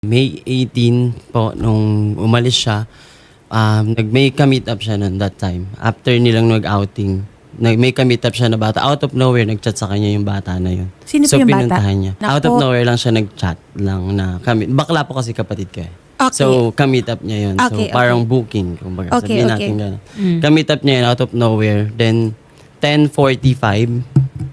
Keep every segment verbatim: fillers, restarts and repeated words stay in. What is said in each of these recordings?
May eighteen po, nung umalis siya, um, nag-may ka-meet up siya noon that time. After nilang nag-outing, nag-may ka-meet up siya na bata. Out of nowhere, nag-chat sa kanya yung bata na yun. Sino so, po yung bata? pinuntahan niya. Naku. Out of nowhere lang siya nag-chat lang na kami. Bakla po kasi kapatid ko eh. Okay. So, ka-meet up niya yun. Okay, so, parang okay. booking. Kumbaga, Okay, sabihin okay. natin gano'n. Mm. Ka-meet up niya yun out of nowhere. Then, ten forty-five,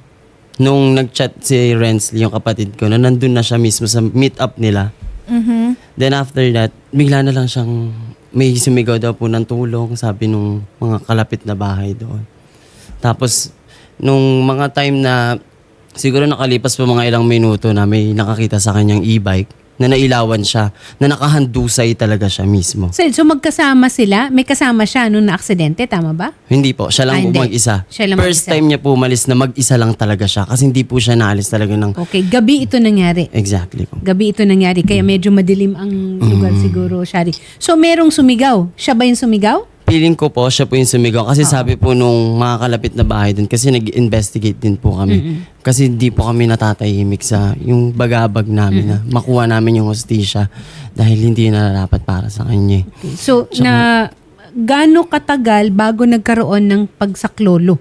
nung nag-chat si Rensley, yung kapatid ko, na nandun na siya mismo sa meet up nila. Mhm. Then after that, bigla na lang siyang may sumigaw daw po ng tulong, sabi nung mga kalapit na bahay doon. Tapos, nung mga time na siguro nakalipas po mga ilang minuto na may nakakita sa kanyang e-bike, na nailawan siya, na nakahandusay talaga siya mismo. So, so magkasama sila? May kasama siya nung na-aksidente, tama ba? Hindi po, siya lang Ah, po hindi. mag-isa. Siya lang First mag-isa. time niya po umalis na mag-isa lang talaga siya kasi hindi po siya naalis talaga ng... Okay, gabi ito nangyari. Exactly po. Gabi ito nangyari, kaya medyo madilim ang lugar siguro, Shari. So, merong sumigaw. Siya ba yung sumigaw? Feeling ko po, siya po yung sumigaw. Kasi sabi po nung mga kalapit na bahay dun, kasi nag-investigate din po kami. Kasi hindi po kami natatahimik sa yung bagabag namin na makuha namin yung hostisya dahil hindi na nararapat para sa kanya. Okay. So, na gaano katagal bago nagkaroon ng pagsaklolo?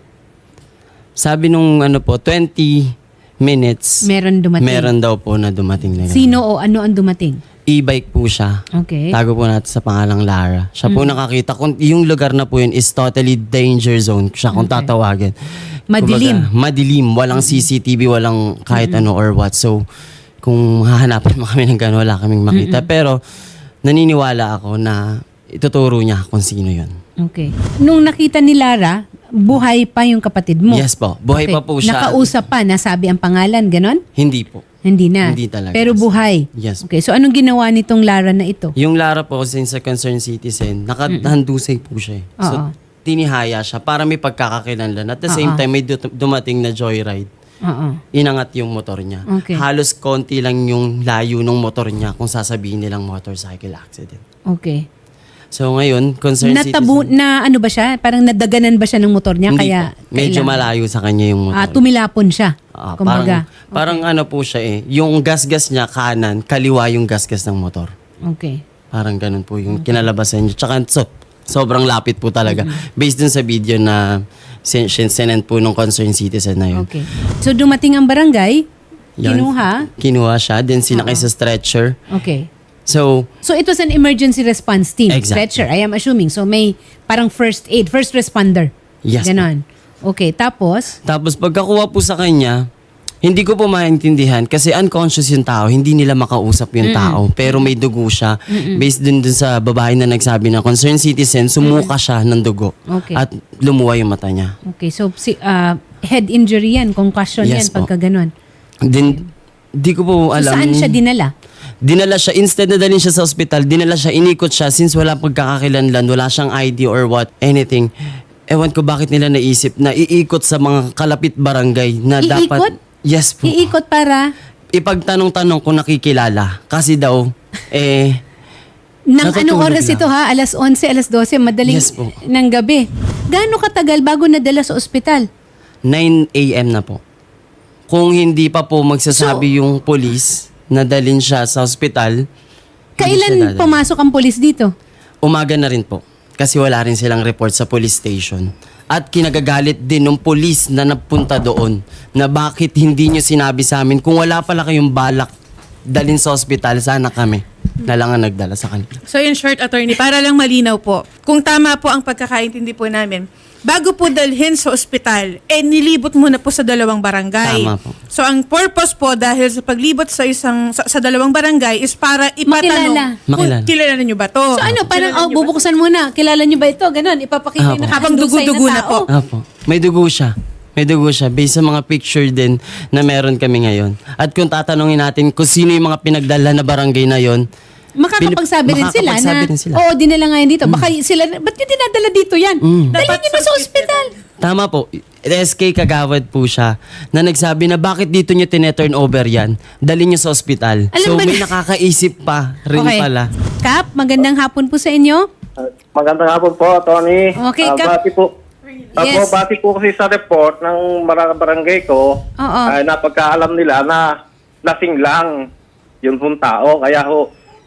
Sabi nung ano po, twenty minutes, Meron dumating? meron daw po na dumating na. Sino o ano ang dumating? E-bike po siya. Okay. Tago po natin sa pangalang Lara. Siya po nakakita. Kung yung lugar na po yun is totally danger zone. Siya kung tatawagin. Madilim. Kumbaga, madilim. Walang C C T V, walang kahit ano or what. So, kung hahanapin mo kami ng gano'n, wala kaming makita. Pero, naniniwala ako na ituturo niya kung sino yun. Okay. Nung nakita ni Lara, buhay pa yung kapatid mo? Yes po. Buhay Okay. pa po siya. Nakausap pa, nasabi ang pangalan, ganon? Hindi po. Hindi na. Hindi talaga. Pero buhay. Yes. Okay, so anong ginawa nitong Lara na ito? Yung Lara po, since sa concerned citizen, nakahandusay po siya. eh. So, Oo. tinihaya siya para may pagkakakilanlan. At the same Oo. time, may du- dumating na joyride. Oo. Inangat yung motor niya. Okay. Halos konti lang yung layo ng motor niya kung sasabihin nilang motorcycle accident. Okay. So ngayon, concerned Natabu citizen... na ano ba siya? Parang nadaganan ba siya ng motor niya? Hindi Kaya po. Medyo kailangan- malayo sa kanya yung motor. Ah, tumilapon siya. Ah, Kumbaga. parang, parang ano po siya eh. Yung gasgas niya kanan, kaliwa yung gasgas ng motor. Okay. Parang ganun po yung kinalabasan niya. Tsaka so, sobrang lapit po talaga. Based dun sa video na sin- sin- sinend po nung concerned citizen na yun. Okay. So dumating ang barangay, Yun. kinuha. Kinuha siya, then sinakay sa stretcher. Okay. So, So it was an emergency response team. Exactly. Stretcher, I am assuming. So may parang first aid, first responder. Yes, Ganon. Okay, tapos? tapos pagkakuha po sa kanya, hindi ko po maintindihan kasi unconscious yung tao, hindi nila makausap yung tao. Pero may dugo siya. Based dun, dun sa babae na nagsabi na concerned citizen, sumuka siya ng dugo. Okay. At lumuwa yung mata niya. Okay, so si ah, head injury yan, concussion Yes yan po. pagka ganon. Then, di ko po So alam. saan siya dinala? Dinala siya, instead na dalhin siya sa ospital, dinala siya, inikot siya since wala pagkakakilanlan, wala siyang I D or what, anything. Ewan ko bakit nila naisip na iikot sa mga kalapit barangay na Iikot? dapat... Yes po. Iikot para Ipagtanong-tanong kung nakikilala. Kasi daw, eh... nang Natutulog anong oras lang. ito ha? alas onse, alas dose, madaling Yes po. ng gabi. Gaano katagal bago nadala sa ospital? nine a.m. na po. Kung hindi pa po magsasabi yung police na dalhin siya sa ospital, hindi siya Kailan dadalhin. pumasok ang polis dito? Umaga na rin po. Kasi wala rin silang report sa police station. At kinagagalit din ng police na napunta doon na bakit hindi nyo sinabi sa amin kung wala pala kayong balak dalhin sa ospital, sana kami na lang ang nagdala sa kanila. So in short, attorney, para lang malinaw po, kung tama po ang pagkakaintindi po namin, bago po dalhin sa ospital, eh nilibot muna po sa dalawang barangay. Tama po. So ang purpose po dahil sa paglibot sa isang sa, sa dalawang barangay is para ipatanong Makilala. kung Makilala. kilala niyo ba to? So ano, parang Kilala oh, niyo ba bubuksan muna. Kilala niyo ba ito? Ganon, ipapakita Apo. yung Habang nakahandusay dugo-dugo na tao. po. Apo. May dugo siya. May dugo siya. Based sa mga picture din na meron kami ngayon. At kung tatanungin natin kung sino yung mga pinagdala na barangay na yon, Makakapagsabi rin sila Makakapagsabi na, rin sila. oo, dinala nga yan dito. Baka sila, ba't nyo dinadala dito yan? Dalhin Dapat nyo na sa sa ospital. tama po. S K Kagawad po siya na nagsabi na bakit dito nyo tineturn over yan? Dali nyo sa ospital. Alam So ba may na- nakakaisip pa rin Okay. pala. Kap, magandang hapon po sa inyo. Uh, Magandang hapon po, Tony. Okay, Ah, Kap. bati po. Ako, Yes. bati po kasi sa report ng bar- barangay ko, Oo. ay napagkaalam nila na lasing lang yung pong tao. Kaya ho,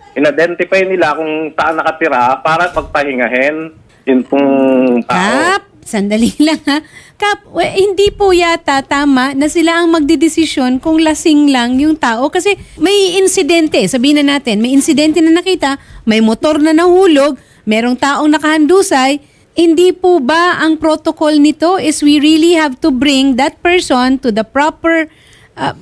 in-identify nila kung saan nakatira para pagpahingahin yung pong tao. Kap, sandali lang ha. Kap, we- hindi po yata tama na sila ang magdidesisyon kung lasing lang yung tao kasi may insidente, sabihin na natin, may insidente na nakita, may motor na nahulog, merong taong nakahandusay, hindi po ba ang protocol nito is we really have to bring that person to the proper uh,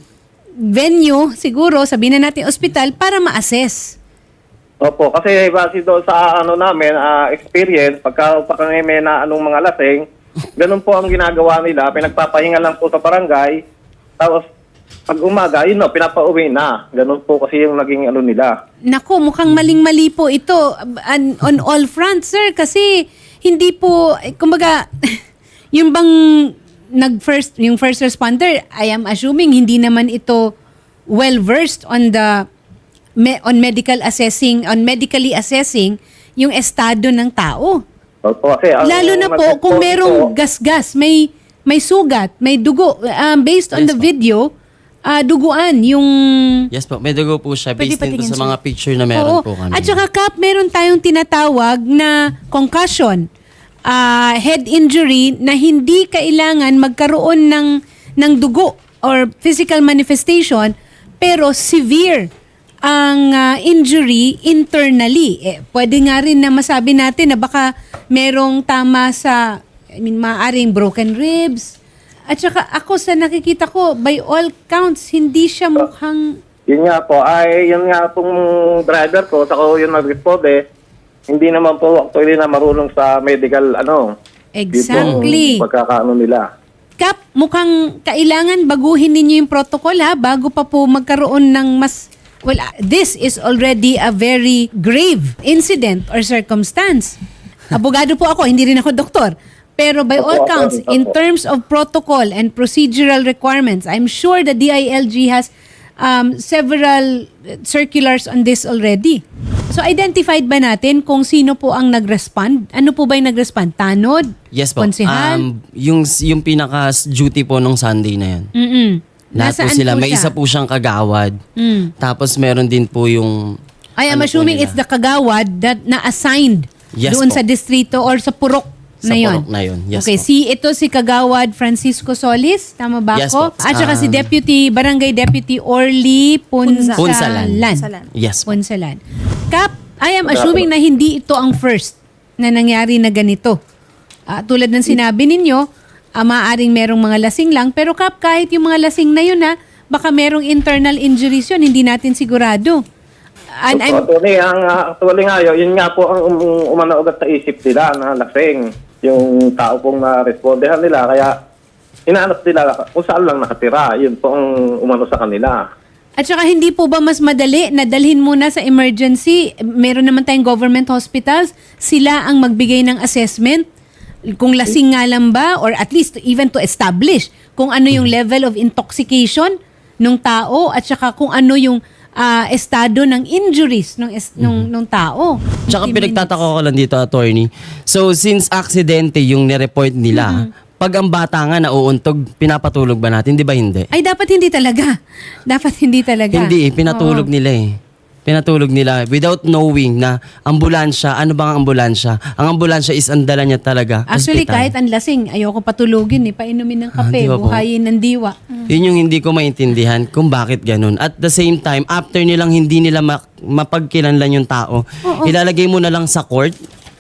venue, siguro, sabihin na natin ospital, para ma-assess? Opo, kasi base doon sa ano namin, ah, experience, pagka, pagka may na anong mga lasing, ganun po ang ginagawa nila, pinagpapahinga lang po sa barangay, tapos pag umaga, yun no, pinapauwi na. Ganun po kasi yung naging ano nila. Nako, mukhang maling-mali po ito on, on all fronts, sir, kasi hindi po, eh, kumbaga, yung bang nag-first, yung first responder, I am assuming hindi naman ito well-versed on the, me, on medical assessing, on medically assessing yung estado ng tao. Opo, kasi, ang- Lalo na po nag-report kung merong po- gas-gas, may may sugat, may dugo. Um, based on Yes the po. video, ah, duguan yung... Yes po, may dugo po siya Pwede based din po patingin, sa sir. mga picture na meron Oo. po kami. At saka, Kap, meron tayong tinatawag na concussion, ah, head injury na hindi kailangan magkaroon ng, ng dugo or physical manifestation, pero severe ang ah, injury internally. Eh, pwede nga rin na masabi natin na baka merong tama sa, I mean, maaaring broken ribs. At saka ako sa nakikita ko, by all counts, hindi siya mukhang... Yun nga po, ay yun nga pong driver ko, saka yung nag-report eh, hindi naman po actually na marunong sa medical ano. Exactly. Yung pagkakaano nila. Kap, mukhang kailangan baguhin ninyo yung protocol ha, bago pa po magkaroon ng mas... Well, ah, this is already a very grave incident or circumstance. Abogado po ako, hindi rin ako doktor. Pero by all Opo, counts, opo, in opo. terms of protocol and procedural requirements, I'm sure the D I L G has um, several circulars on this already. So identified ba natin kung sino po ang nag-respond? Ano po ba yung nag-respond? Tanod? Yes po. Konsehal? Um, yung, yung pinaka-duty po nung Sunday na yan. Mm-mm. Lahat po Nasaan sila. po May siya? isa po siyang kagawad. Mm. Tapos meron din po yung... I am ano po assuming nila. it's the kagawad that na-assigned Yes doon po. sa distrito or sa purok Sa na yun. purok na yun. Yes okay, po. si ito si Kagawad Francisco Solis, tama ba Yes ako? po. At saka si Um, Deputy, Barangay Deputy Orly Punsalan. Punsalan. Punsalan. Yes po. Punsalan. Kap, I am assuming na hindi ito ang first na nangyari na ganito. Ah, tulad ng sinabi ninyo, ah, maaaring merong mga lasing lang, pero Kap, kahit yung mga lasing na yun ha, baka merong internal injuries yun, hindi natin sigurado. And I'm, So, actually, ang, uh, actually nga yun, yun nga po ang um, umano agad sa isip nila na lasing yung tao pong na-respondehan nila. Kaya inaanap nila kung saan lang nakatira. Yun po ang umano sa kanila. At saka hindi po ba mas madali na dalhin muna sa emergency? Meron naman tayong government hospitals. Sila ang magbigay ng assessment kung lasing nga lang ba or at least even to establish kung ano yung level of intoxication ng tao at saka kung ano yung ah, estado ng injuries ng es- nung, nung tao. Tsaka fifteen pinagtataka ko lang dito, attorney. So, since aksidente yung nireport nila, pag ang bata nga nauuntog, pinapatulog ba natin? Di ba hindi? Ay, dapat hindi talaga. Dapat hindi talaga. Hindi eh, pinatulog Oo. nila eh. Pinatulog nila without knowing na ambulansya, ano bang ang ambulansya? Ang ambulansya is ang dala niya talaga. Actually, hospital. kahit ang lasing, ayoko patulogin eh. Painumin ng kape, Ah, di ba po? buhayin ng diwa. Yun yung hindi ko maintindihan kung bakit ganun. At the same time, after nilang hindi nila ma- mapagkilanlan yung tao, Oo. ilalagay mo na lang sa court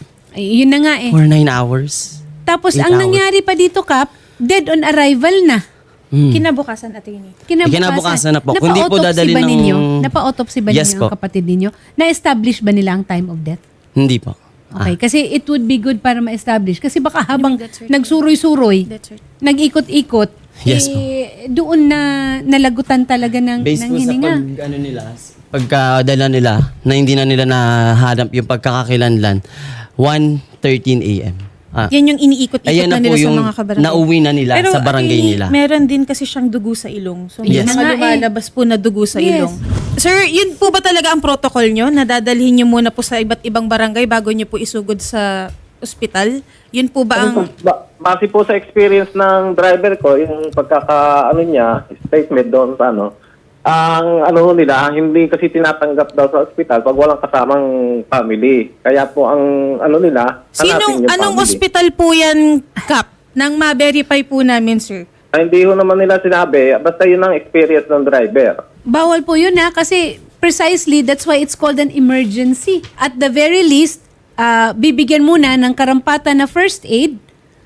Ay, yun na nga eh. for nine hours. Tapos Eight ang hours. nangyari pa dito, Kap, dead on arrival na. Hmm. Kinabukasan, attorney. Kinabukasan, Eh, kinabukasan na po. Kung di po Napa-autopsy dadalhin ba ng- ninyo? Napa-autopsy ba Yes ninyo ang po. kapatid ninyo? Na-establish ba nila ang time of death? Hindi po. Okay, kasi it would be good para ma-establish. Kasi baka habang That's right. nagsuroy-suroy, That's right. nag-ikot-ikot, Yes po. eh, doon na nalagutan talaga ng, Based ng po sa hininga. pag, ano nila, pagkadala nila, na hindi na nila nahanap yung pagkakakilanlan, one thirteen a m Ah, Yan yung iniikot-ikot ayan na, na po nila sa yung mga kabarangay. nauwi na nila sa barangay attorney, nila. meron din kasi siyang dugo sa ilong. So, may Yes. mga Nga eh. lumalabas po na dugo sa Yes. ilong. Sir, yun po ba talaga ang protocol nyo? Na dadalhin nyo muna po sa iba't ibang barangay bago nyo po isugod sa ospital? Yun po ba ang... Ba- base po sa experience ng driver ko, yung pagkaka, ano niya, statement doon sa ano, ang ano nila, hindi kasi tinatanggap daw sa ospital pag walang kasamang family. Kaya po ang ano nila, hanapin Sinong, yung anong family. ospital po yan, Kap? Nang ma-verify po namin, sir. Ay, hindi ho naman nila sinabi, basta yun ang experience ng driver. Bawal po yun ha, kasi precisely that's why it's called an emergency. At the very least, ah, bibigyan muna ng karampatan na first aid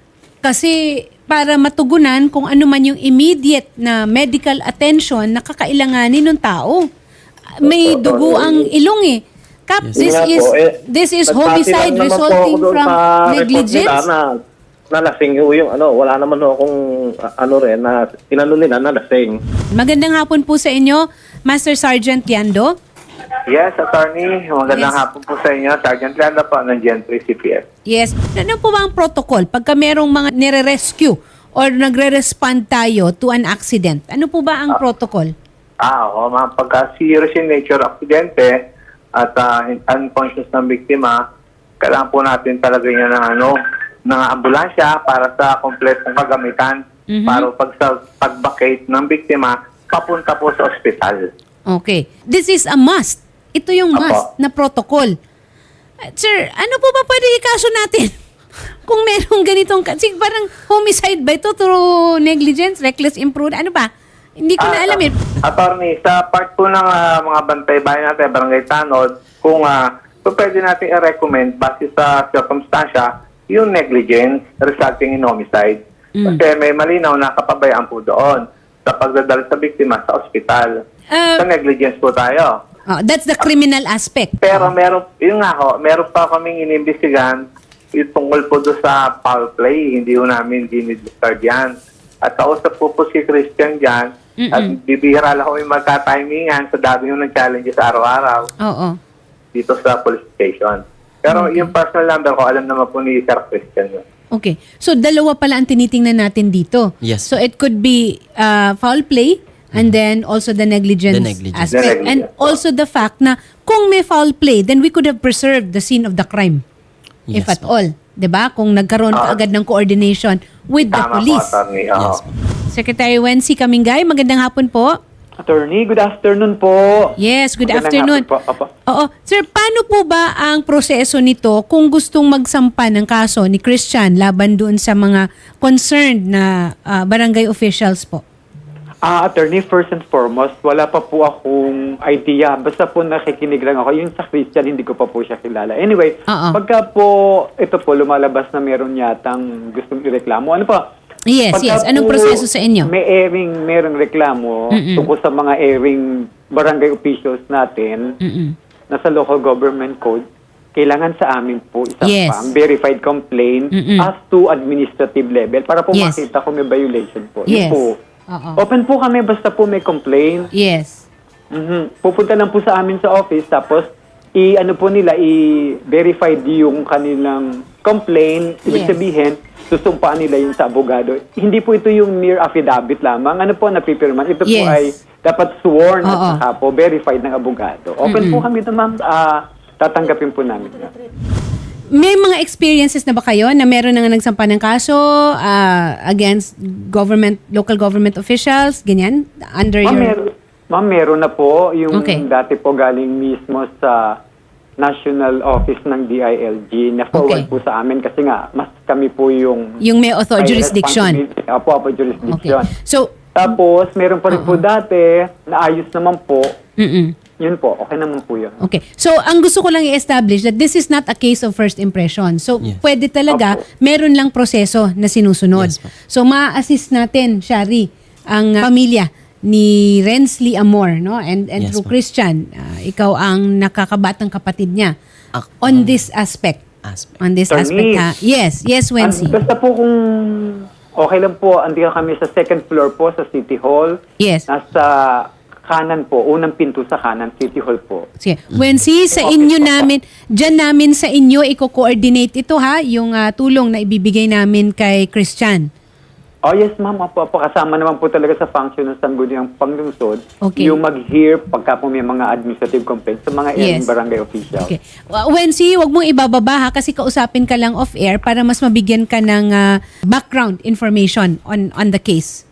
kasi para matugunan kung ano man yung immediate na medical attention na kakailanganin ng tao. May dugo ang ilong eh. Kap, Yun this nga is po, eh, this is nagpati homicide lang naman po resulting ako doon from sa report nila negligence. Na, nalasing ho yung ano, wala naman ho akong ah, ano rin na tinanong nila nalasing. Magandang hapon po sa inyo, Master Sergeant Liando. Yes, attorney. Magandang Yes. hapon po sa inyo. Sergeant Landa po ng Gen three C P F. Yes. Ano po ba ang protocol pagka merong mga nire-rescue or nagre-respond tayo to an accident? Ano po ba ang protocol? Ah, oo. Mga pagka serious in nature aksidente at ah, unconscious ng biktima, kailangan po natin talaga yan ng ano, ng ambulansya para sa kompletong kagamitan Mhm. para pag sa pag-vacate ng biktima papunta po sa ospital. Okay. This is a must. Ito yung Apo. must na protocol. Uh, Sir, ano po ba pwede ikaso natin? Kung merong ganitong, kasi parang homicide ba ito through negligence, reckless imprudence, ano ba? Hindi ko na Ah, alam eh. Attorney, sa part po ng ah, mga bantay bayan natin, barangay tanod, kung uh, pwede natin i-recommend base sa circumstansya, yung negligence resulting in homicide. Mm. Kasi may malinaw na kapabayaan po doon sa pagdadala sa biktima sa ospital. Ah, sa negligence po tayo. Oh, that's the criminal aspect. Pero meron, yun nga ho, meron pa kaming inimbestigahan yung tungkol po doon sa foul play. Hindi ho namin dinidiscard yan. At kausap po po si Christian dyan. At bibihira lang ho yung magka-timingan sa dami yung nag-challenges araw-araw Oo. dito sa police station. Pero yung personal number ko, alam naman po ni Sir Christian yun. Okay. So, dalawa pala ang tinitingnan natin dito. Yes. So, it could be uh, foul play and then also the negligence, The negligence. aspect. The And negligence. also the fact na kung may foul play, then we could have preserved the scene of the crime. If Yes at po. all. 'Di ba? Kung nagkaroon Ah. ka agad ng coordination with the Tama police. po, attorney. Oo. Yes po. Secretary Wency Kamingay, magandang hapon po. Attorney, good afternoon po. Yes, good Magandang afternoon. hapon po. Opo. Oo. Sir, paano po ba ang proseso nito kung gustong magsampa ng kaso ni Christian laban doon sa mga concerned na ah, barangay officials po? Ah, attorney, first and foremost, wala pa po akong idea. Basta po nakikinig lang ako. Yung sa Christian, hindi ko pa po siya kilala. Anyway, Oo. pagka po, ito po, lumalabas na meron yatang gustong ireklamo. Ano pa? Yes, Pagka yes. Anong po proseso sa inyo? May airing, merong reklamo Mm-mm. tungkol sa mga airing barangay officials natin Mm-mm. na sa local government code, kailangan sa amin po isang Yes. pang verified complaint Mm-mm. as to administrative level para po Yes. makita kung may violation po. Yes. Yun po. Oo. Open po kami basta po may complaint. Yes. Mhm. Pupunta lang po sa amin sa office tapos i ano po nila i-verify yung kanilang complaint. Ibig Yes. sabihin, susumpaan nila yung sa abogado. Hindi po ito yung mere affidavit lamang. Ano po napipirman? Ito po Yes. ay dapat sworn at Oo. saka po verified ng abogado. Open po kami ito, ma'am. Ah, tatanggapin po namin. May mga experiences na ba kayo na meron na nga nagsampa ng kaso ah, against government, local government officials, ganyan? Under Ma'am, your... meron, ma'am, meron na po. Yung Okay. dati po galing mismo sa National Office ng D I L G na forward Okay. po sa amin kasi nga mas kami po yung Yung may author may jurisdiction. responsibility. Opo, opo, Okay. jurisdiction. So, Tapos, meron pa rin po dati na ayos naman po. mm Yun po, okay naman po yun. Okay. So, ang gusto ko lang i-establish that this is not a case of first impression. So, Yes. pwede talaga, meron lang proseso na sinusunod. Yes, ma'am. So, ma-assist natin, Shari, ang uh, pamilya ni Rensley Amor, no? And, and Yes, through ma'am. Christian, uh, ikaw ang nakakabatang kapatid niya Ak- on this aspect. Aspect. On this Attorney. aspect, ha? Yes. Yes, Wency. An- basta po kung okay lang po, andito kami sa second floor po sa City Hall. Yes. Nasa kanan po, unang pinto sa kanan, City Hall po. Sige. Wency, sa inyo namin, dyan namin sa inyo, i-coordinate ito ha, yung ah, tulong na ibibigay namin kay Christian. Oh yes ma'am, opo, opo. Kasama naman po talaga sa function ng Sangguniang Panglungsod Okay. yung mag-hear pagka po may mga administrative complaints sa mga Yes. yes. barangay officials. Okay. Uh, Wency, wag mong ibababa ha, kasi kausapin ka lang off-air para mas mabigyan ka ng ah, background information on on the case.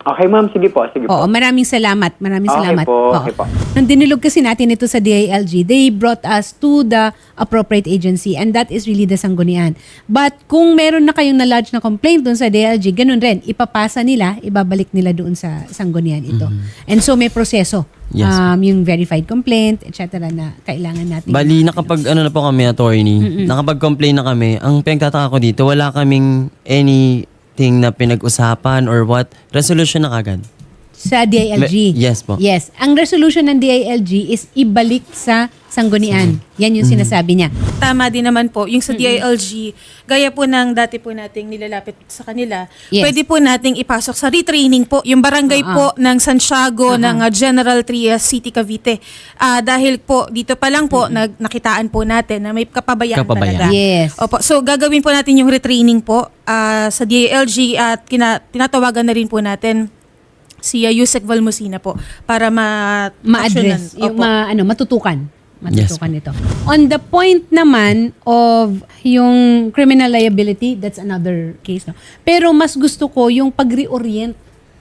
Okay, ma'am. Sige po, sige po. Oo, maraming salamat. Maraming Okay salamat. po, Oo. okay po. Nung dinulog kasi natin ito sa D I L G, they brought us to the appropriate agency and that is really the Sanggunian. But kung meron na kayong na-lodge na complaint doon sa D I L G, ganun rin, ipapasa nila, ibabalik nila doon sa Sanggunian ito. And so may proseso. Yes, um, yung verified complaint, et cetera na kailangan natin. Bali, nakapag ano na po kami, attorney, nakapag-complain na kami. Ang pinagtataka ko dito, wala kaming anything na pinag-usapan or what. Resolution na kagad. Sa D I L G? Me- yes po. Yes. Ang resolution ng D I L G is ibalik sa Sanggunian. Yan yung sinasabi niya. Tama din naman po. Yung sa D I L G, gaya po ng dati po nating nilalapit sa kanila, Yes. pwede po nating ipasok sa retraining po, yung barangay Ah, po ng Santiago, ng uh, General Trias City, Cavite. Ah, dahil po, dito pa lang po, nag, nakitaan po natin na may kapabayaan, Kapabayaan. talaga. Yes. Opo. So, gagawin po natin yung retraining po ah, sa D I L G at kina, tinatawagan na rin po natin si uh, Yusek Valmosina po para ma Ma-address, yung Opo. ma, ano, matutukan. Yes, Matutukan ito. On the point naman of yung criminal liability, that's another case. No? Pero mas gusto ko yung pag-reorient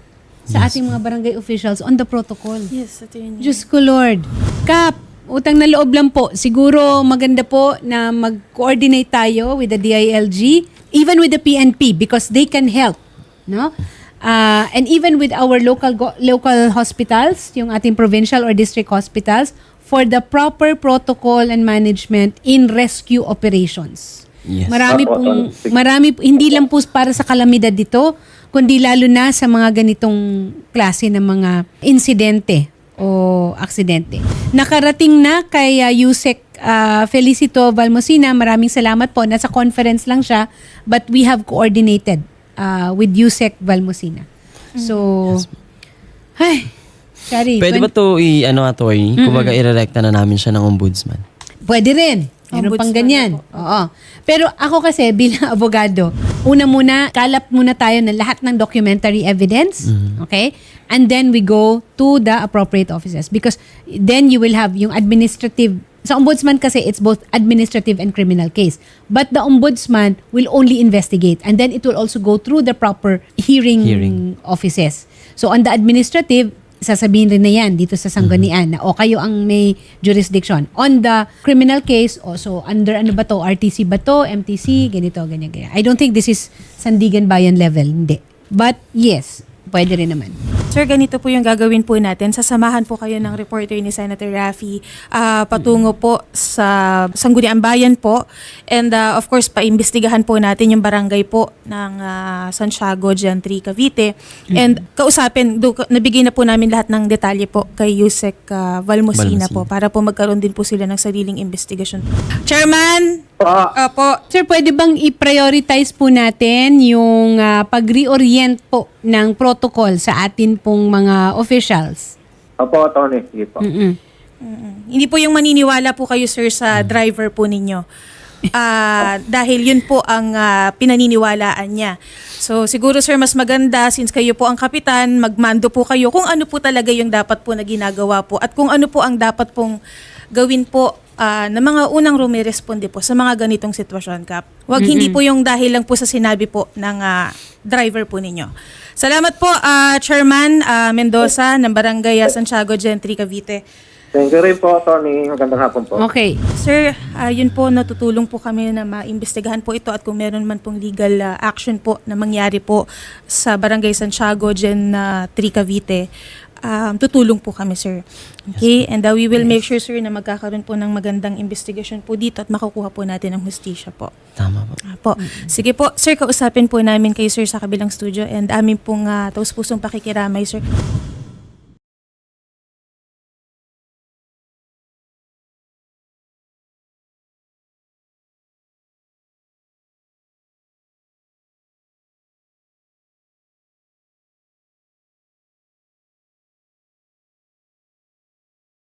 sa ating mga barangay officials on the protocol. Yes, ito yun. Diyos ko Lord. Kap, utang na loob lang po. Siguro maganda po na mag-coordinate tayo with the D I L G, even with the P N P because they can help. No? Uh, and even with our local go- local hospitals, yung ating provincial or district hospitals, for the proper protocol and management in rescue operations. Yes. Marami Opo, pong, Sige. marami, hindi lang po para sa kalamidad dito, kundi lalo na sa mga ganitong klase ng mga insidente o aksidente. Nakarating na kay uh, Yusek uh, Felicito Valmosina, maraming salamat po. Nasa conference lang siya, but we have coordinated uh, with Yusek Valmosina. So, ay, sorry. Pwede when- ba to i, ano, attorney? Kumbaga, irerekta na namin siya ng ombudsman. Pwede rin. Meron pang Ombudsman ganyan. na po. Oo. Pero ako kasi bilang abogado, una muna, kalap muna tayo ng lahat ng documentary evidence. Okay? And then we go to the appropriate offices. Because then you will have yung administrative. Sa ombudsman kasi, it's both administrative and criminal case. But the ombudsman will only investigate. And then it will also go through the proper hearing, Hearing. offices. So on the administrative, sasabihin rin na yan dito sa Sanggunian na o kayo ang may jurisdiction. On the criminal case, o so under ano ba to, R T C ba to, M T C, ganito, ganyan, ganyan. I don't think this is Sandigan Bayan level, hindi. But yes, pwede rin naman. Sir, ganito po yung gagawin po natin. Sasamahan po kayo ng reporter ni Senator Raffy ah, patungo po sa Sangguniang Bayan po. And ah, of course, paimbestigahan po natin yung barangay po ng ah, Santiago, Gentry, Cavite. And kausapin, do, nabigay na po namin lahat ng detalye po kay Yusek ah, Valmosina Valmosina. po para po magkaroon din po sila ng sariling investigasyon. Chairman! Ah, Opo. Sir, pwede bang i-prioritize po natin yung ah, pag-reorient po ng protocol sa atin pong mga officials? Opo, Tony. Sige po. Mm-mm. Mm. Hindi po yung maniniwala po kayo, sir, sa driver po ninyo. Ah, dahil yun po ang ah, pinaniniwalaan niya. So siguro, sir, mas maganda since kayo po ang kapitan, magmando po kayo kung ano po talaga yung dapat po na ginagawa po at kung ano po ang dapat pong gawin po ah, ng mga unang rumiresponde po sa mga ganitong sitwasyon, Kap. Huwag hindi po yung dahil lang po sa sinabi po ng ah, driver po ninyo. Salamat po, ah, Chairman ah, Mendoza ng Barangay ah, Santiago, Gentry, Cavite. Thank you rin po, Tony. Magandang hapon po. Okay. Sir, ah, yun po, natutulong po kami na maimbestigahan po ito at kung meron man pong legal ah, action po na mangyari po sa Barangay Santiago, Gen uh, three Cavite, um, tutulong po kami, sir. Okay? And uh, we will make sure, sir, na magkakaroon po ng magandang investigation po dito at makukuha po natin ang hustisya po. Tama po. Ah, po. Sige po, sir, kausapin po namin kayo, sir, sa kabilang studio and amin pong uh, taus-pusong pakikiramay, sir.